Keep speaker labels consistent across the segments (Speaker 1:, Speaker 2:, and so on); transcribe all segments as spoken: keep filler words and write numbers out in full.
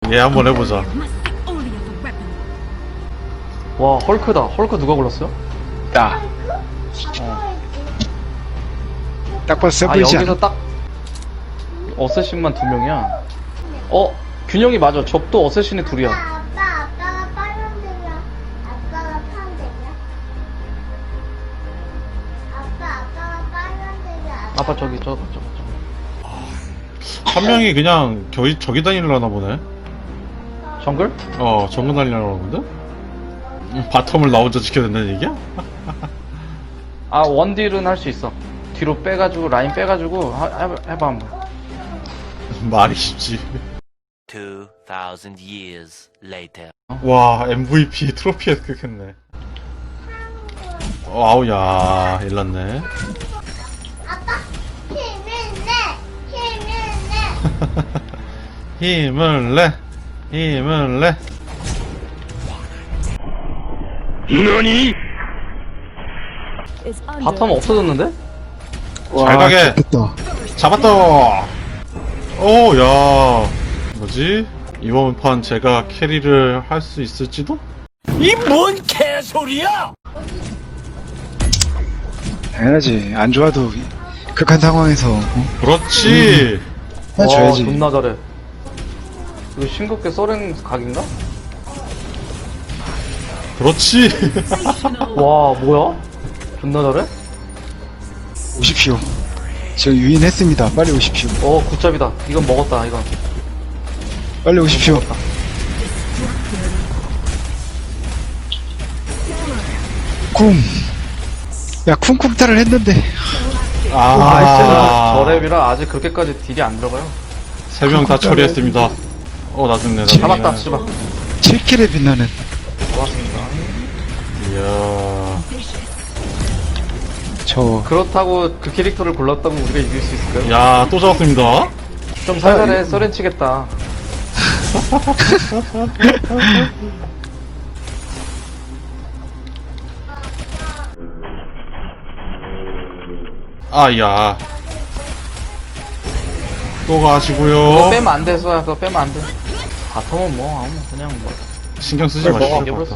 Speaker 1: 얘 한번 해보자.
Speaker 2: 와 헐크다. 헐크 누가 골랐어요?
Speaker 3: 나. 딱 봐도 세
Speaker 2: 아
Speaker 3: 보이지
Speaker 2: 여기서
Speaker 3: 않아?
Speaker 2: 딱 어쌔신만 두 명이야. 어 균형이 맞아. 적도 어쌔신이 둘이야.
Speaker 4: 아빠, 아빠가 빨간색이야. 아빠가 파란색이야. 아빠, 아빠가 빨간색이야.
Speaker 2: 아빠 저기 저거 저거 저거.
Speaker 1: 한 명이 그냥 저기 저기 다니려나 보네.
Speaker 2: 정글?
Speaker 1: 어, 정글 다니려나 본데? 음, 바텀을 나 혼자 지켜야 된다는 얘기야?
Speaker 2: 아 원딜은 할 수 있어. 뒤로 빼가지고 라인 빼가지고 하, 해봐, 해봐 한번.
Speaker 1: 말이 쉽지.
Speaker 5: Two thousand years later.
Speaker 1: 와, 엠브이피 트로피에 획득했네. 어, 아우, 야, 일났네.
Speaker 4: 아빠, 힘을 내! 힘을 내!
Speaker 1: 힘을 내! 힘을 내!
Speaker 2: 바텀 없어졌는데?
Speaker 1: 잘 가게!
Speaker 3: 됐다.
Speaker 1: 잡았다! 오, 야. 뭐지? 이번 판 제가 캐리를 할 수 있을지도?
Speaker 3: 당연하지. 안 좋아도 극한 상황에서 어?
Speaker 1: 그렇지!
Speaker 3: 해줘야지.
Speaker 2: 와 존나 잘해. 이거 싱겁게 쏘렌 각인가?
Speaker 1: 그렇지!
Speaker 2: 와 뭐야? 존나 잘해?
Speaker 3: 오십시오. 지금 유인했습니다. 빨리 오십시오.
Speaker 2: 어 굿잡이다. 이건 먹었다 이건.
Speaker 3: 빨리 오십시오. 쿵. 야, 쿵쿵타를 했는데.
Speaker 1: 아,
Speaker 2: 저 랩이라 아직 그렇게까지 딜이 안 들어가요.
Speaker 1: 세 명 다 처리했습니다. 어, 나 죽네, 나 죽네.
Speaker 2: 잡았다 씨발.
Speaker 3: 칠 킬에 빛나는.
Speaker 2: 고맙습니다.
Speaker 1: 이야.
Speaker 3: 저,
Speaker 2: 그렇다고 그 캐릭터를 골랐다고 우리가 이길 수 있을까요?
Speaker 1: 야, 또 잡았습니다.
Speaker 2: 좀 살살해. 쏘렌 치겠다.
Speaker 1: 아, 야. 또
Speaker 2: 그거
Speaker 1: 가시고요.
Speaker 2: 빼면 안 돼, 쏘야. 그거 빼면 안 돼. 바텀은 뭐, 아무, 그냥 뭐.
Speaker 1: 신경 쓰지
Speaker 2: 그래,
Speaker 1: 마시고.
Speaker 2: 먹어. 이겨버렸어.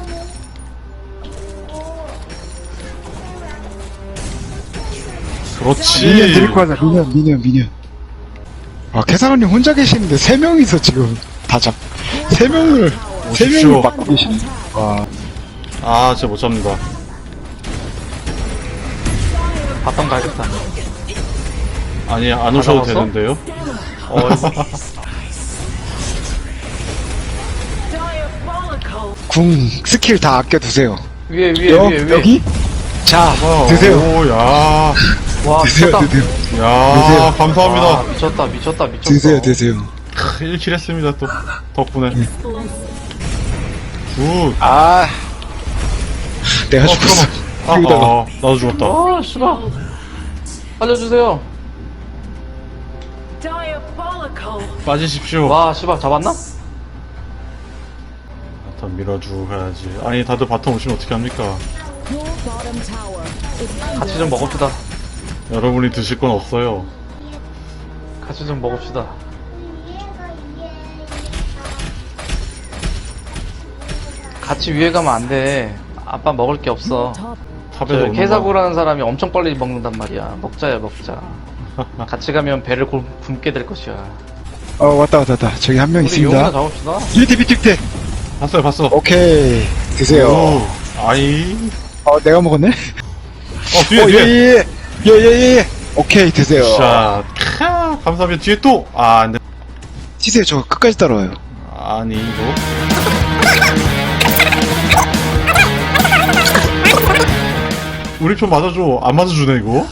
Speaker 1: 그렇지.
Speaker 3: 미니언 데리고 가자. 미니언, 미니언, 미니언. 아, 캐사원님 혼자 계시는데 세 명이서 지금 다 잡, 세 명을, 세
Speaker 1: 오십시오.
Speaker 3: 명을 막고 계시네. 와,
Speaker 1: 아, 진짜 못 잡는다.
Speaker 2: 바텀 가야겠다.
Speaker 1: 아니, 안 오셔도
Speaker 2: 잡았어?
Speaker 1: 되는데요?
Speaker 2: 어,
Speaker 3: 궁, 스킬 다 아껴두세요.
Speaker 2: 위에, 위에,
Speaker 3: 여,
Speaker 2: 위에, 위에.
Speaker 3: 여기? 자,
Speaker 1: 어,
Speaker 3: 드세요.
Speaker 1: 오, 야.
Speaker 2: 와,
Speaker 3: 드세요,
Speaker 2: 미쳤다.
Speaker 3: 드세요.
Speaker 1: 야,
Speaker 3: 드세요.
Speaker 2: 와,
Speaker 1: 감사합니다.
Speaker 2: 미쳤다, 미쳤다, 미쳤다.
Speaker 3: 드세요, 드세요.
Speaker 1: 일 킬 했습니다, 또. 덕분에.
Speaker 3: 네.
Speaker 1: 굿.
Speaker 3: 아, 내가
Speaker 1: 어,
Speaker 3: 죽었어.
Speaker 1: 아,
Speaker 3: 여기다가.
Speaker 1: 아, 나도 죽었다.
Speaker 2: 아, 씨발. 알려주세요.
Speaker 1: 빠지십시오.
Speaker 2: 와, 씨발, 잡았나?
Speaker 1: 바텀 밀어주고 가야지. 아니, 다들 바텀 오시면 어떻게 합니까?
Speaker 2: 같이 좀 먹읍시다.
Speaker 1: 여러분이 드실 건 없어요.
Speaker 2: 같이 좀 먹읍시다. 같이 위에 가면 안 돼. 아빠 먹을 게 없어.
Speaker 1: 탑에서
Speaker 2: 저
Speaker 1: 오는 거.
Speaker 2: 케사구라는 사람이 엄청 빨리 먹는단 말이야. 먹자야, 먹자. 같이 가면 배를 굶, 굶게 될 것이야.
Speaker 3: 어, 왔다, 왔다, 왔다. 저기 한 명
Speaker 2: 우리 용이나
Speaker 3: 있습니다.
Speaker 2: 잡읍시다.
Speaker 3: 밑에, 밑에, 밑에.
Speaker 1: 봤어요, 봤어.
Speaker 3: 오케이. 드세요.
Speaker 1: 오, 아이.
Speaker 3: 어, 내가 먹었네?
Speaker 1: 어, 뒤에,
Speaker 3: 어,
Speaker 1: 뒤에.
Speaker 3: 예, 예, 예, 예, 예, 예. 오케이, 드세요.
Speaker 1: 자, 캬, 감사합니다. 뒤에 또. 아, 안 돼.
Speaker 3: 치세요, 저 끝까지 따라와요.
Speaker 1: 아니, 이거. 우리 편 맞아줘. 안 맞아주네, 이거.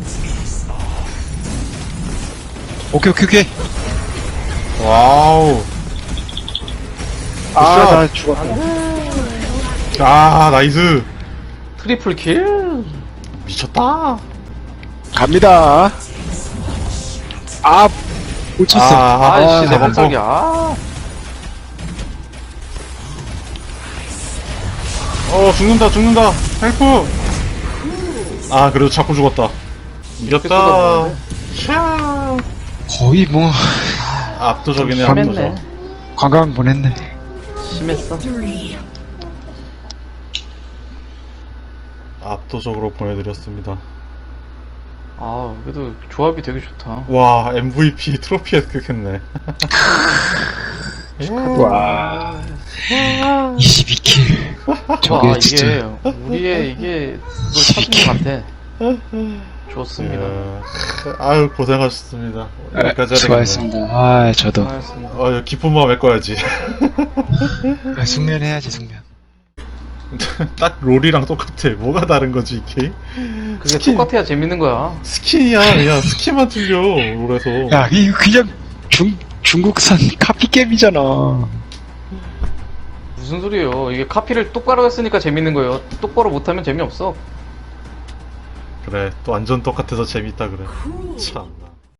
Speaker 3: 오케이, 오케이, 오케이.
Speaker 1: 와우.
Speaker 3: 아,
Speaker 1: 굿샷.
Speaker 3: 나 죽었다.
Speaker 1: 아, 나이스.
Speaker 2: 트리플 킬?
Speaker 1: 미쳤다.
Speaker 3: 갑니다. 아, 못 쳤어.
Speaker 1: 아,
Speaker 2: 아이씨, 내
Speaker 1: 아,
Speaker 2: 목소리야. 아,
Speaker 1: 어, 죽는다, 죽는다. 헬프. 아, 그래도 자꾸 죽었다. 이겼다.
Speaker 2: 쏟아부었네.
Speaker 1: 샤.
Speaker 3: 거의 뭐,
Speaker 1: 압도적이네,
Speaker 2: 심했네.
Speaker 1: 압도적.
Speaker 3: 관광 보냈네.
Speaker 2: 심했어.
Speaker 1: 압도적으로 보내드렸습니다.
Speaker 2: 아, 그래도 조합이 되게 좋다.
Speaker 1: 와, 엠브이피 트로피 획득했네.
Speaker 3: 와. 이십이 킬. 저게
Speaker 2: 와,
Speaker 3: 진짜.
Speaker 2: 이게 우리의 이게 뭘 찾은 것 같아. 좋습니다.
Speaker 1: 예. 아유, 고생하셨습니다.
Speaker 3: 아,
Speaker 1: 여기까지 해야 되겠네.
Speaker 3: 수고하셨습니다. 아, 저도.
Speaker 2: 고맙습니다.
Speaker 1: 어, 기쁜 마음 메꿔야지.
Speaker 3: 아, 숙면해야지, 숙면.
Speaker 1: 딱 롤이랑 똑같아. 뭐가 다른 거지, 이게?
Speaker 2: 그게
Speaker 1: 스킨.
Speaker 2: 똑같아야 재밌는 거야.
Speaker 1: 스킨이야. 그냥 스킨만 틀려, 롤에서.
Speaker 3: 야, 이거 그냥 중, 중국산 카피게임이잖아.
Speaker 2: 무슨 소리예요? 이게 카피를 똑바로 했으니까 재밌는 거예요. 똑바로 못하면 재미없어.
Speaker 1: 그래, 또 완전 똑같아서 재밌다, 그래. 참.